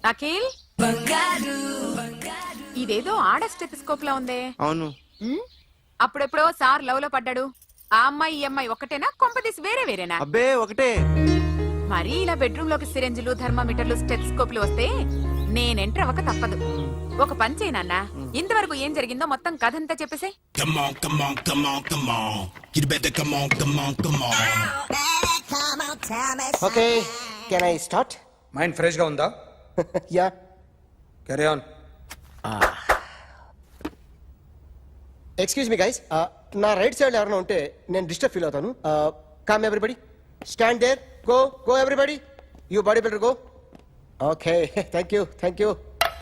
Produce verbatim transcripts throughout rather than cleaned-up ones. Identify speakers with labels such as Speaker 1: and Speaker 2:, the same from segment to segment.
Speaker 1: అఖిల్ ఇదేదో ఆడ స్టెథోస్కోప్ లా ఉందే.
Speaker 2: అవును.
Speaker 1: అప్పుడెప్పుడో సార్ లవ్ లో పడ్డాడు. ఆ అమ్మాయి ఈ అమ్మాయి ఒకటేనా, కొంపదీసి వేరే వేరేనా?
Speaker 2: అబ్బే ఒకటే.
Speaker 1: మరి ఇలా బెడ్రూమ్ లోకి సిరెంజులు, థర్మామీటర్లు, స్టెథోస్కోప్లు వస్తే నేను ఎంటర్ అవ్వక తప్పదు. ఒక పని చేయి నాన్న, ఇంతవరకు ఏం జరిగిందో మొత్తం కథ అంతా చెప్పేసే.
Speaker 3: Okay, can I start?
Speaker 4: Mind fresh గా ఉందా?
Speaker 3: Ya,
Speaker 4: carry on.
Speaker 3: Excuse me guys, నా రైట్ సైడ్ ఎవరైనా ఉంటే నేను డిస్టర్బ్ ఫీల్ అవుతాను. Come everybody, stand there, go go everybody, you body builder go. Okay, thank you thank you.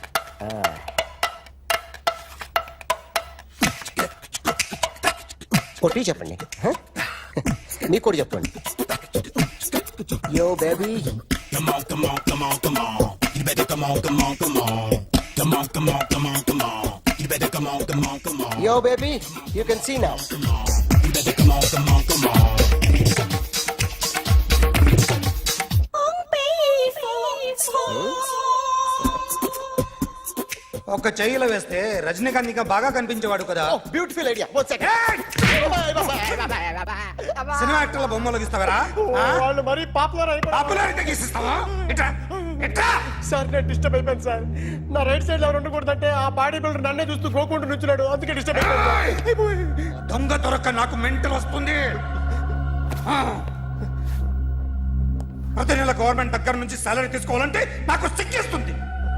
Speaker 3: కొట్టి చెప్పండి, మీకు కూడా చెప్పండి. Yo baby,
Speaker 5: Come on, come on, come on, come on. You better come on, come on, come on. Come on, come on, come on, come on. You better come on, come on, come on.
Speaker 3: yo baby, you can see now.
Speaker 5: You better come on, come on, come on.
Speaker 4: ఒక చెయ్యిలో వేస్తే రజనీకాంత్ ఇంకా బాగా కనిపించేవాడు కదా.
Speaker 3: Oh, beautiful idea. One second.
Speaker 4: Cinema యాక్టర్ల బొమ్మలు గీస్తావరా?
Speaker 3: వాళ్ళు మరి పాపులర్ అయిపోయారు.
Speaker 4: పాపులర్ అయితే గీసిస్తావా? ఇట్రా ఇట్రా.
Speaker 3: సార్ నేను డిస్టర్బ్ అయిపోయాను సార్. నా రైట్ సైడ్ ఎవరు ఉండకూడదంటే ఆ బాడీ బిల్డర్ నన్నే చూస్తూ గోకుంటూ నుంచున్నాడు, అందుకే డిస్టర్బ్ అయిపోయాను.
Speaker 4: దొంగ దొరక్క నాకు మెంటల్ వస్తుంది. ఆ. ప్రతి నెల గవర్నమెంట్ దగ్గర నుంచి సాలరీ తీసుకోవాలంటే నాకు సిగ్గేస్తుంది.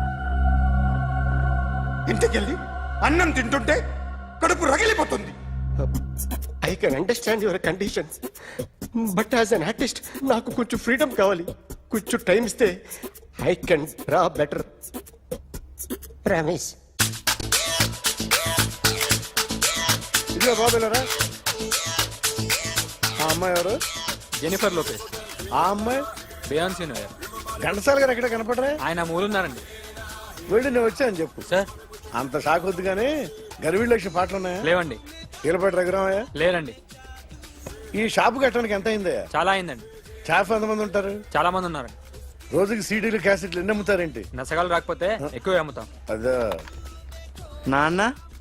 Speaker 4: ఇంటికెళ్ళి అన్నం తింటుంటే కడుపు రగిలిపోతుంది.
Speaker 3: I can understand your conditions, but as an artist నాకు కొంచెం ఫ్రీడమ్ కావాలి. కొంచెం టైం ఇస్తే I can draw better. Promise.
Speaker 6: ఇదిగో బాబులరా, ఆ అమ్మాయి ఎవరు?
Speaker 7: Jennifer Lopez.
Speaker 6: ఆ అమ్మాయి
Speaker 7: బియాన్సీ నోయర్.
Speaker 6: ఘంటసాల గారు ఎక్కడ కనపడరా?
Speaker 7: ఆయన మూలున్నారండి.
Speaker 6: వెళ్ళి నేను వచ్చాను చెప్పు.
Speaker 7: సార్
Speaker 6: అంత షాక్ వద్దు కానీ గర్వీ లక్ష్మి పాటలు ఉన్నాయా?
Speaker 7: లేవండి.
Speaker 6: కీలపాటి రఘురామయ్య
Speaker 7: లేరండి.
Speaker 6: ఈ షాపు కట్టడానికి ఎంత అయిందయ్యా?
Speaker 7: చాలా అయిందండి.
Speaker 6: షాప్ ఎంతమంది ఉంటారు?
Speaker 7: చాలా మంది ఉన్నారండి.
Speaker 6: రోజుకి సీడీలు క్యాసెట్లు ఎన్ని అమ్ముతారేంటి?
Speaker 7: నసగాలు రాకపోతే ఎక్కువ అమ్ముతాం.
Speaker 6: అదే
Speaker 2: నాన్న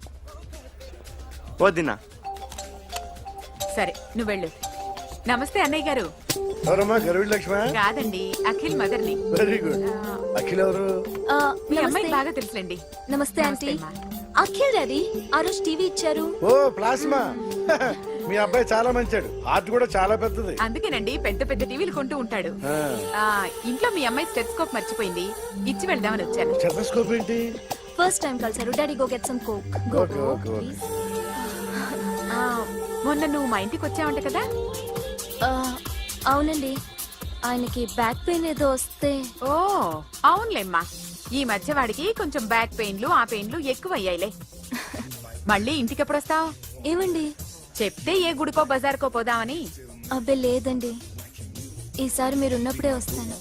Speaker 2: వదినా.
Speaker 1: సరే నువ్వు వెళ్ళు. నమస్తే అన్నయ్య గారు.
Speaker 6: ఎవరమ్మా? గర్వీ లక్ష్మి?
Speaker 1: కాదండి, అఖిల్ మదర్ని.
Speaker 6: Very good. అఖిల్ ఎవరు?
Speaker 8: ఆ,
Speaker 1: మీ
Speaker 8: నమస్తే.
Speaker 1: అమ్మాయి బాగా తెలుసులేండి.
Speaker 8: నమస్తే ఆంటీ.
Speaker 1: అమ్మా.
Speaker 8: అఖిల్ డాడీ ఆ రోజు టీవీ ఇచ్చారు.
Speaker 6: ఓ ప్లాస్మా. మీ అబ్బాయి చాలా మంచాడు, ఆర్ట్ కూడా చాలా పెద్దది.
Speaker 1: అందుకేనండి పెద్ద పెద్ద టీవీలు కొంటూ ఉంటాడు.
Speaker 6: ఆ.
Speaker 1: ఆ ఇంట్లో మీ అమ్మాయి స్టెథోస్కోప్ మర్చిపోయింది, ఇచ్చి వెళ్దామని వచ్చాను.
Speaker 6: స్టెథోస్కోప్ ఏంటి?
Speaker 8: ఫస్ట్ టైం కలిసారు. Daddy go get some coke. Go
Speaker 6: okay,
Speaker 8: go
Speaker 6: okay, okay.
Speaker 8: Please.
Speaker 1: ఆ, మొన్న నువ్వు మా ఇంటికి వచ్చావంట కదా.
Speaker 8: అవునండి, ఆయనకి బ్యాక్ పెయిన్ ఏదో వస్తే.
Speaker 1: ఓ అవునులేమ్మా, ఈ మధ్య వాడికి కొంచెం బ్యాక్ పెయిన్లు ఆ పెయిన్లు ఎక్కువ అయ్యాయిలే. మళ్ళీ ఇంటికి ఎప్పుడు వస్తావు?
Speaker 8: ఏమండి?
Speaker 1: చెప్తే ఏ గుడికో బజార్కో పోదామని.
Speaker 8: అబ్బే లేదండి, ఈసారి మీరు ఉన్నప్పుడే వస్తాను.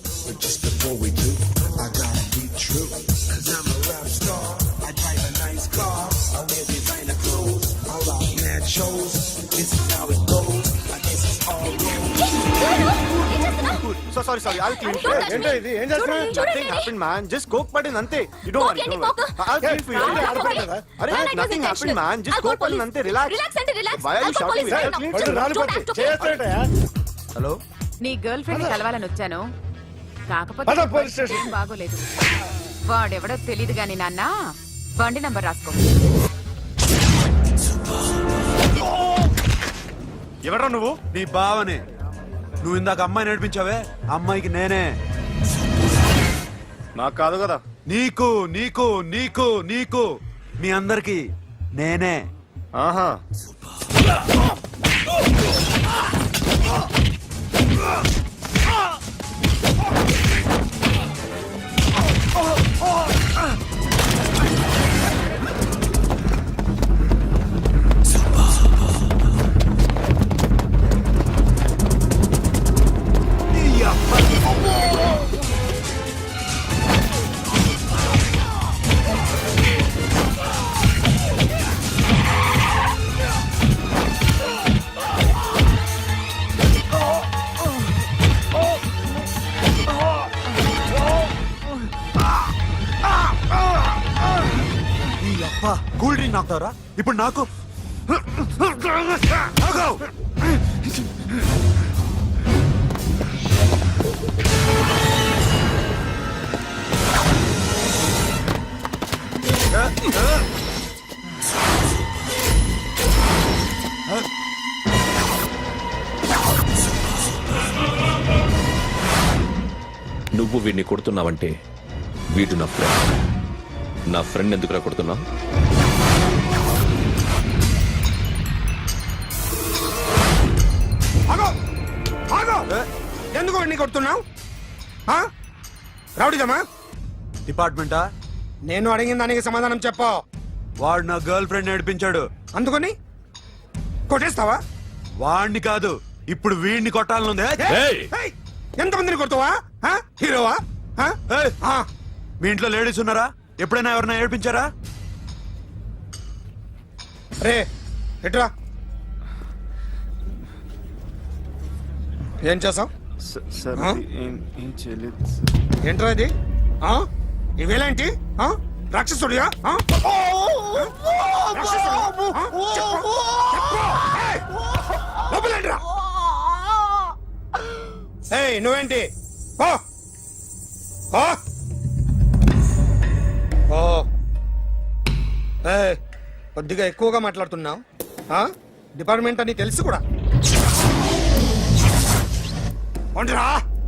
Speaker 2: So sorry sorry I'll clean.
Speaker 6: ఏంటో ఇది? ఏం చేస్తున్నా?
Speaker 2: Nothing happened man, just coke పడింది అంతే. You don't worry, don't worry. I'll clean for you. అరే nothing happened man, just coke పడింది అంతే. రిలాక్స్.
Speaker 8: రిలాక్స్ అంటే relax.
Speaker 2: Why are you shouting? I'll clean
Speaker 6: పళ్ళు రాళ్ళు పట్టి చేస్తాడటయా?
Speaker 2: హలో,
Speaker 1: నీ గర్ల్ ఫ్రెండ్ కలవాలని వచ్చాను, కాకపోతే
Speaker 6: పద పోలీస్ స్టేషన్.
Speaker 1: ఏం బాగోలేదు. వాడెవడో తెలీదు గాని నాన్న, బండి నంబర్ రాసుకో.
Speaker 2: ఎవరా నువ్వు?
Speaker 9: నీ బావనే. నువ్వు ఇందాక అమ్మాయి నడిపించావే, అమ్మాయికి నేనే.
Speaker 2: నాకు కాదు కదా.
Speaker 9: నీకు నీకు నీకు నీకు మీ అందరికి నేనే.
Speaker 2: ఆహా.
Speaker 9: వాడికి నాకుతావరా ఇప్పుడు నాకు ఆగు!
Speaker 10: నువ్వు వీడిని కొడుతున్నావంటే వీడు నా ఫ్రెండ్ నా ఫ్రెండ్ ఎందుకురా కొడుతున్నావు
Speaker 4: ఆగో ఆగో ఎందుకు వాడిని కొడుతున్నావు రౌడీజమా?
Speaker 9: డిపార్ట్మెంటా?
Speaker 4: నేను అడిగిన దానికి సమాధానం చెప్పు.
Speaker 9: వాడు నా గర్ల్ ఫ్రెండ్ నడిపించాడు.
Speaker 4: అందుకని కొట్టేస్తావా?
Speaker 9: వాడిని కాదు ఇప్పుడు వీడిని కొట్టాలనుంది.
Speaker 10: ఏయ్!
Speaker 4: ఏయ్, ఎంతమందిని కొడతావా? ఆ? హీరోవా? ఆ?
Speaker 9: ఏయ్!
Speaker 4: ఆ.
Speaker 9: మీ ఇంట్లో లేడీస్ ఉన్నారా? ఎప్పుడైనా ఎవరైనా ఏడిపించారా?
Speaker 4: రే ఎట్రా ఏం చేసావు?
Speaker 2: సార్
Speaker 4: ఆ?
Speaker 2: ఏం ఏం చేయలేదు
Speaker 4: ఏంట్రా ఇది? ఆ? ఇవేలాంటి ఆ? రాక్షసుడియా? ఆ? రాక్షసుడు? ఆ? చెప్పు. చెప్పు. ఏయ్! లోపలేంట్రా? ఏయ్ నువ్వేంటి? ఓ ఓ ఓ ఏయ్, కొద్దిగా ఎక్కువగా మాట్లాడుతున్నావు. ఆ? డిపార్ట్మెంట్ అని తెలుసు కూడా. ఒంటరా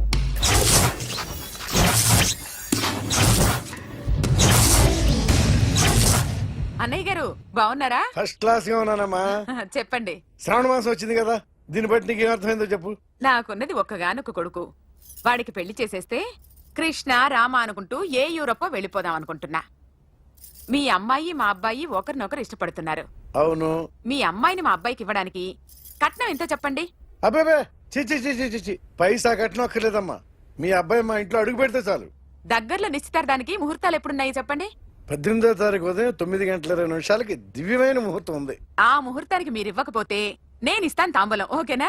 Speaker 1: అన్నయ్య గారు బాగున్నారా?
Speaker 6: ఫస్ట్ క్లాస్ గా ఉన్నానమ్మా.
Speaker 1: చెప్పండి.
Speaker 6: శ్రావణ మాసం వచ్చింది కదా, దీన్ని బట్టి నీకు ఏమర్థమైందో చెప్పు.
Speaker 1: నాకున్నది ఒక్కగానొక్క కొడుకు. వాడికి పెళ్లి చేసేస్తే కృష్ణ రామ అనుకుంటూ ఏ యూరోపో వెళ్ళిపోదాం అనుకుంటున్నా. మీ అమ్మాయి మా అబ్బాయి ఒకరినొకరు ఇష్టపడుతున్నారు.
Speaker 6: అవును.
Speaker 1: మీ అమ్మాయిని మా అబ్బాయికి ఇవ్వడానికి కట్నం ఎంతో చెప్పండి.
Speaker 6: అబ్బాబే చిచి చిచి చిచి పైసా కట్నం అక్కర్లేదమ్మా. మీ అబ్బాయి మా ఇంట్లో అడుగు పెడితే చాలు.
Speaker 1: దగ్గరలో నిశ్చితార్థానికి ముహూర్తాలు ఎప్పుడున్నాయి చెప్పండి.
Speaker 6: పద్దెనిమిదో తారీఖు ఉదయం తొమ్మిది గంటల ఇరవై నిమిషాలకి దివ్యమైన ముహూర్తం ఉంది.
Speaker 1: ఆ ముహూర్తానికి మీరు ఇవ్వకపోతే నేను ఇస్తాను తాంబూలం. ఓకేనా?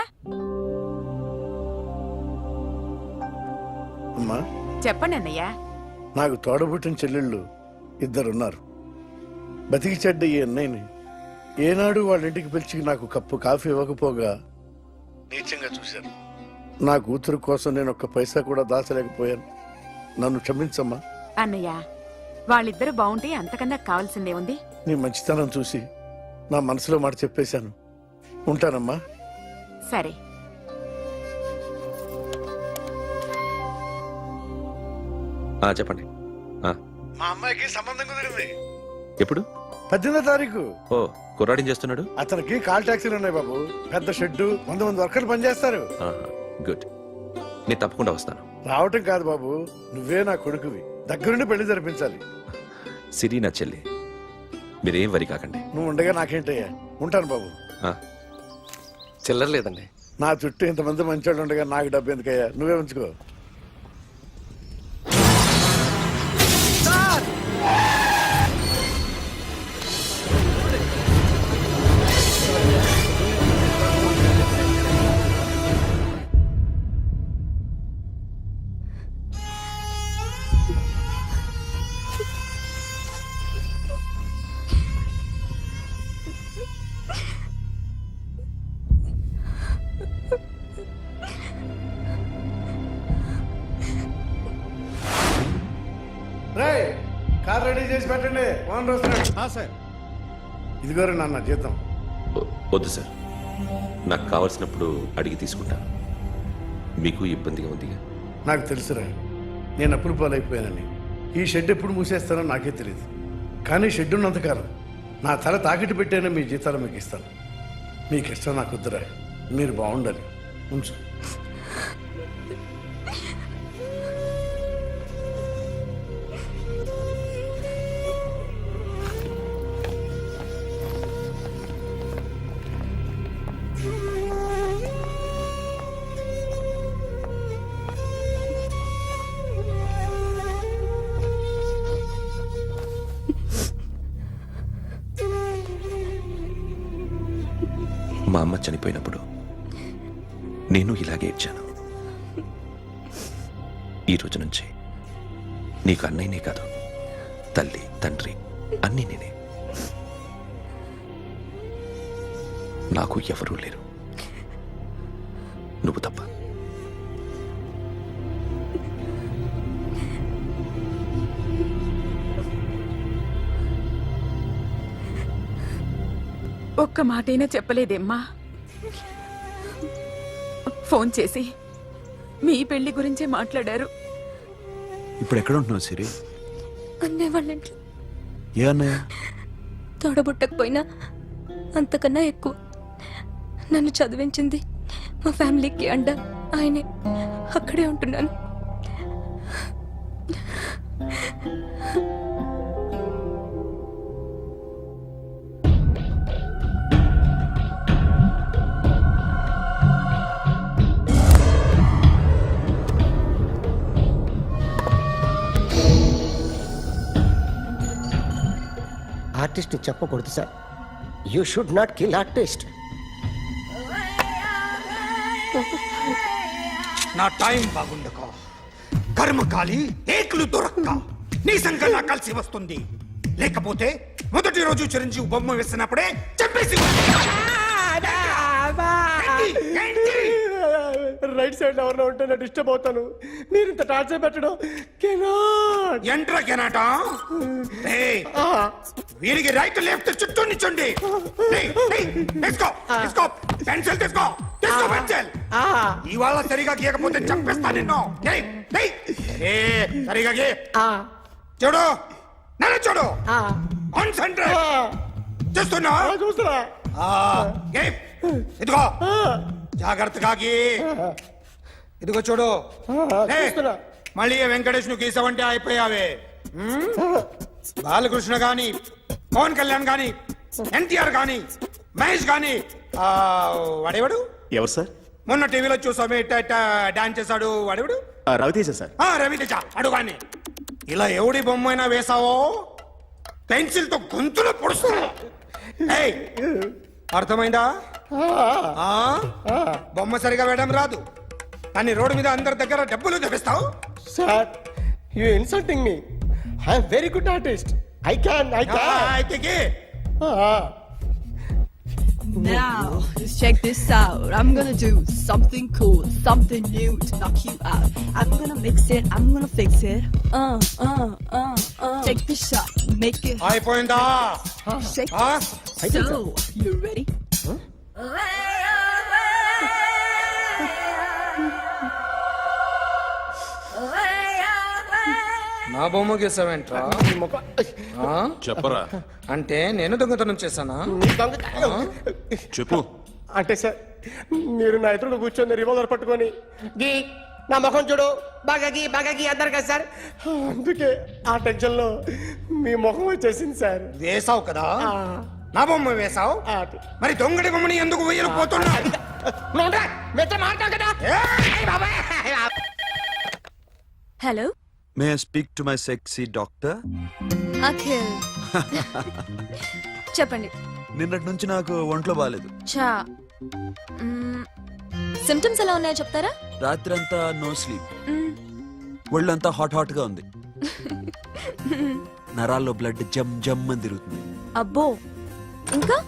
Speaker 6: అమ్మా
Speaker 1: చెప్పండి అన్నయ్య.
Speaker 6: నాకు తోడబుట్టిన చెల్లెళ్ళు ఇద్దరున్నారు. బతికి చెడ్డ ఈ అన్నయ్యని ఏనాడు వాళ్ళ ఇంటికి పిలిచి నాకు కప్పు కాఫీ ఇవ్వకపోగా నీచంగా చూశాను. నా కూతురు కోసం నేను ఒక్క పైసా కూడా దాచలేకపోయాను. నన్ను క్షమించమ్మా.
Speaker 1: అన్నయ్య వాళ్ళిద్దరూ బాగుంటే అంతకన్నా కావాల్సిందే ఉంది.
Speaker 6: నీ మంచితనం చూసి నా మనసులో మాట చెప్పేశాను. ఉంటానమ్మా.
Speaker 1: సరే.
Speaker 10: ఆ, చెప్పండి. ఆ,
Speaker 6: మా అమ్మాయికి సంబంధం కుదిరింది.
Speaker 10: ఎప్పుడు?
Speaker 6: పద్దెనిమిదో తారీఖు.
Speaker 10: ఓ కుర్రాడిని చేస్తున్నాడు.
Speaker 6: అతనికి కాల్ టాక్సీలు ఉన్నాయి బాబు. పెద్ద షెడ్డు, వంద మంది వర్కర్లు పనిచేస్తారు.
Speaker 10: ఆహా, గుడ్. నేను తప్పకుండా వస్తాను.
Speaker 6: రావటం కాదు బాబు, నువ్వే నా కొడుకువి. దగ్గరుండి పెళ్లి జరిపించాలి.
Speaker 10: సిరి నా చెల్లి, మీరేం వరి కాకండి.
Speaker 6: నువ్వు ఉండగా నాకేంటయ్యా. ఉంటాను బాబు.
Speaker 10: ఆ,
Speaker 3: చిల్లర లేదండి.
Speaker 6: నా చుట్టూ ఇంతమంది మంచోళ్ళు ఉండగా నాకు డబ్బు ఎందుకయ్యా, నువ్వే ఉంచుకో. రేయ్, కార్ రెడీ చేసి పెట్టండి. ఓనర్ వస్తున్నాడు. సార్ ఇదిగోరు నాన్న జీతం.
Speaker 10: వ- వద్దు సార్, నాకు కావలసినప్పుడు అడిగి తీసుకుంటాను. మీకు ఇబ్బందిగా ఉందిగా.
Speaker 6: నాకు తెలుసురా, నేను అప్పులు పాలైపోయానని. ఈ షెడ్ ఎప్పుడు మూసేస్తానో నాకే తెలియదు. కానీ షెడ్ ఉన్నంతకాలం నా తల తాకట్టు పెట్టైనా మీ జీతాలు మీకు ఇస్తాను. మీకు ఇష్టం నాకు వద్దురా, మీరు బాగుండాలి. ఉంచు.
Speaker 10: మా అమ్మ చనిపోయినప్పుడు నేను ఇలాగే ఇచ్చాను. ఈ రోజు నుంచి నీకు అన్నయ్యనే కాదు, తల్లి తండ్రి అన్నీ నేనే. నాకు ఎవరూ లేరు, నువ్వు తప్ప.
Speaker 1: ఒక్క మాటైనా చెప్పలేదేమ్మా? ఫోన్ చేసి మీ పెళ్లి గురించే మాట్లాడారు.
Speaker 9: ఇప్పుడు ఎక్కడ ఉంటున్నావు సిరి?
Speaker 8: అన్నయ్య వాళ్ళ ఇంట్లో.
Speaker 9: ఏ అన్నయ్య?
Speaker 8: తోడబుట్టకపోయినా అంతకన్నా ఎక్కువ నన్ను చదివించింది మా ఫ్యామిలీకి అండ ఆయనే. అక్కడే ఉంటున్నాను.
Speaker 3: ఆర్టిస్ట్ చెప్పకూడదు sir. You should not kill artist.
Speaker 4: నా టైం బాగుండక కర్మకాలి ఏకులు దొరక్క నీ సంఘం నాకు కలిసి వస్తుంది. లేకపోతే మొదటి రోజు చిరంజీవి బొమ్మ వేసినప్పుడే చెప్పేసి
Speaker 3: రైట్ సైడ్ ఎవరిలో ఉంటే నేను డిస్టర్బ్ అవుతాను. మీరు ఇంత టార్చర్ పెట్టడం కెనాట్.
Speaker 4: ఎంట్రా కెనాట వీరికి రైట్ లెఫ్ట్ చుట్టూ నిచ్చండి. తీసుకో తీసుకో పెన్సిల్ తీసుకో తీసుకో పెన్సిల్. ఇవాళ సరిగా గీయకపోతే చంపేస్తా నిన్ను. ఏయ్, ఏయ్, ఏ, సరిగా గీ. చూడు నన్ను చూడు. కాన్సంట్రేట్ చూస్తున్నా
Speaker 3: చూస్తున్నా.
Speaker 4: గీ. ఇదిగో జాగ్రత్తగా గీ. ఇదిగో చూడు. ఏ, మళ్ళీ ఏ వెంకటేష్ ను గీసావంటే అయిపోయావే. హ్మ్? బాలకృష్ణ గాని పవన్ కళ్యాణ్ గాని ఎన్టీఆర్ గాని మహేష్ గాని ఆ, వాడేవాడు
Speaker 2: ఎవరు సార్?
Speaker 4: మొన్న టీవీలో చూసామే డాన్స్ చేశాడు వాడేవాడు?
Speaker 2: రవితేజ సార్.
Speaker 4: ఆ, రవితేజ అడుగాని. ఇలా ఎవడి బొమ్మ అయినా వేసావో పెన్సిల్ తో గొంతులో పొడుస్తా. ఏయ్, అర్థమైందా? ఆ? బొమ్మ సరిగా వేయడం రాదు కానీ రోడ్డు మీద అందరి దగ్గర డబ్బులు తెప్పిస్తావు.
Speaker 3: Sir you insulting me. I'm very good artist. I can I can.
Speaker 4: అయితే గీ.
Speaker 11: Now, just check this out. I'm gonna do something cool, something new to knock you out. I'm gonna mix it, I'm gonna fix it. Uh, uh, uh, uh. Take the shot, make it hot.
Speaker 4: అయిపోయిందా?
Speaker 11: Shake
Speaker 4: ఆ?
Speaker 11: it. So, you ready?
Speaker 4: నా బొమ్మ గీసావేంట్రా?
Speaker 10: చెప్పరా.
Speaker 4: అంటే నేను దొంగతనం చేశానా?
Speaker 10: చెప్పు.
Speaker 3: అంటే సార్ మీరు నా ఎదురు కూర్చొని రివాల్వర్ పట్టుకొని గీ నా ముఖం చూడు బాగా గీ బాగా గీ అన్నారు కదా సార్. అందుకే ఆ టెన్షన్ లో మీ ముఖం వచ్చేసింది సార్.
Speaker 4: వేసావు కదా, నా బొమ్మ వేసావు. మరి దొంగడి బొమ్మని ఎందుకు వేయలు పోతున్నా?
Speaker 8: Hello,
Speaker 9: may I speak to my sexy doctor?
Speaker 8: Akhil. చెప్పండి.
Speaker 9: నిన్నటి నుంచి నాకు ఒంట్లో బాగాలేదు.
Speaker 8: చా సిమ్టమ్స్ ఎలా ఉన్నాయో చెప్తారా?
Speaker 9: రాత్రి అంతా నో స్లీప్,
Speaker 8: మ్మ్.
Speaker 9: ఒళ్ళంతా హాట్ హాట్ గా ఉంది, నరాల్లో బ్లడ్ జమ్ జమ్ అని తిరుగుతుంది.
Speaker 8: అబ్బో, ఇంకా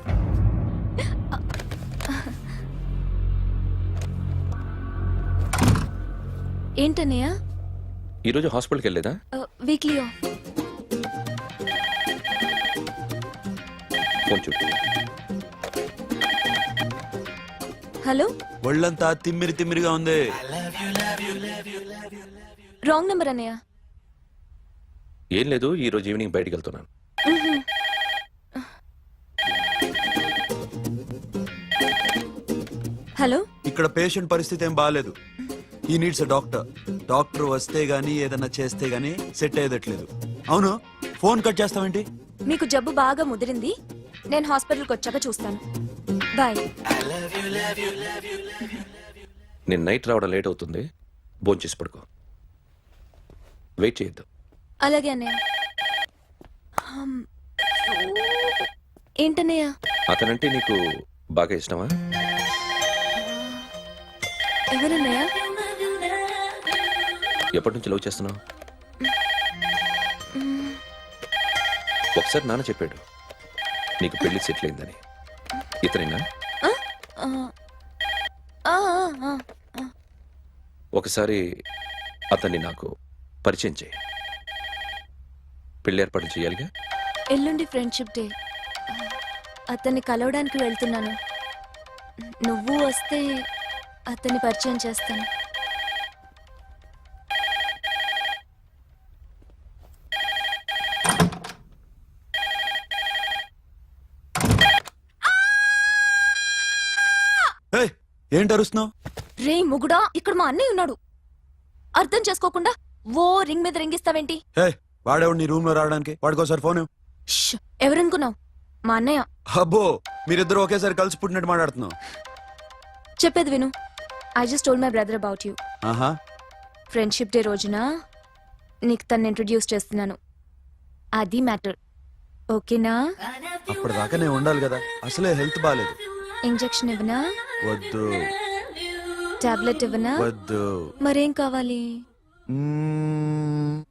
Speaker 8: ఏంటన్నయ్య?
Speaker 10: ఈరోజు హాస్పిటల్కి వెళ్ళేదా?
Speaker 8: వీక్లీ
Speaker 10: ఫోన్ చూడు.
Speaker 8: హలో,
Speaker 9: ఒళ్ళంతా తిమ్మిరి తిమ్మిరిగా ఉంది.
Speaker 8: రాంగ్ నెంబర్ అన్నయ్య.
Speaker 10: ఏం లేదు, ఈ రోజు ఈవినింగ్ బయటికి వెళ్తున్నాను.
Speaker 8: హలో,
Speaker 9: ఇక్కడ పేషెంట్ పరిస్థితి ఏం బాగాలేదు. ఈ నీడ్స్ డాక్టర్. డాక్టర్ వస్తే గానీ ఏదన్నా చేస్తే గానీ సెట్ అయ్యేదట్లేదు. అవును, ఫోన్ కట్ చేస్తావేంటి?
Speaker 8: మీకు జబ్బు బాగా ముదిరింది, నేను హాస్పిటల్కి వచ్చాక చూస్తాను. బాయ్.
Speaker 10: నేను నైట్ రావడం లేట్ అవుతుంది, భోంచేసి పడుకో. వెయిట్ చేయొద్దు.
Speaker 8: అలాగే అన్నయ్య. హమ్. ఏంటన్నయ్య?
Speaker 10: అతనంటే నీకు బాగా ఇష్టమా?
Speaker 8: ఎవరన్నయ్య?
Speaker 10: ఎప్పటి నుంచి లవ్ చేస్తున్నావు? ఒకసారి నాన్న చెప్పాడు నీకు పెళ్లి సెటిల్ అయిందని. ఇతనేనా?
Speaker 8: ఆ, ఆ, ఆ, ఆ.
Speaker 10: ఒకసారి అతన్ని నాకు పరిచయం చేయి. పెళ్లి ఏర్పాటు చేయాలిగా.
Speaker 8: ఎల్లుండి ఫ్రెండ్షిప్ డే. అతన్ని కలవడానికి వెళ్తున్నాను. నువ్వు వస్తే అతన్ని పరిచయం చేస్తాను.
Speaker 9: ఏయ్, ఏంటి అరుస్తున్నావు?
Speaker 8: రే ముగుడా, ఇక్కడ మా అన్నయ్య ఉన్నాడు. అర్థం చేసుకోకుండా ఓ రింగ్ మీద రింగిస్తావేంటి?
Speaker 9: హే, వాడేవాడు నీ రూమ్ లో రావడానికి? వాడికోసారి ఫోన్ ఇవ్వు.
Speaker 8: ష్, ఎవరనుకున్నావు? మా అన్నయ్య.
Speaker 9: అబ్బో, మీరిద్దరు ఒకేసారి కలిసి పుట్టినట్టు మాట్లాడుతున్నావు.
Speaker 8: చెప్పేది విను. I just told my brother about you.
Speaker 9: ఆహా,
Speaker 8: ఫ్రెండ్షిప్ డే రోజున నీకు తను ఇంట్రడ్యూస్ చేస్తున్నాను. అది మ్యాటర్. ఓకేనా?
Speaker 9: అప్పటిదాకా నేను ఉండాలి కదా. అసలే హెల్త్ బాగాలేదు.
Speaker 8: ఇంజెక్షన్ ఇవ్వనా?
Speaker 9: వద్దు.
Speaker 8: టాబ్లెట్ ఇవ్వనా?
Speaker 9: వద్దు.
Speaker 8: మరేం కావాలి?
Speaker 9: మ్మ్.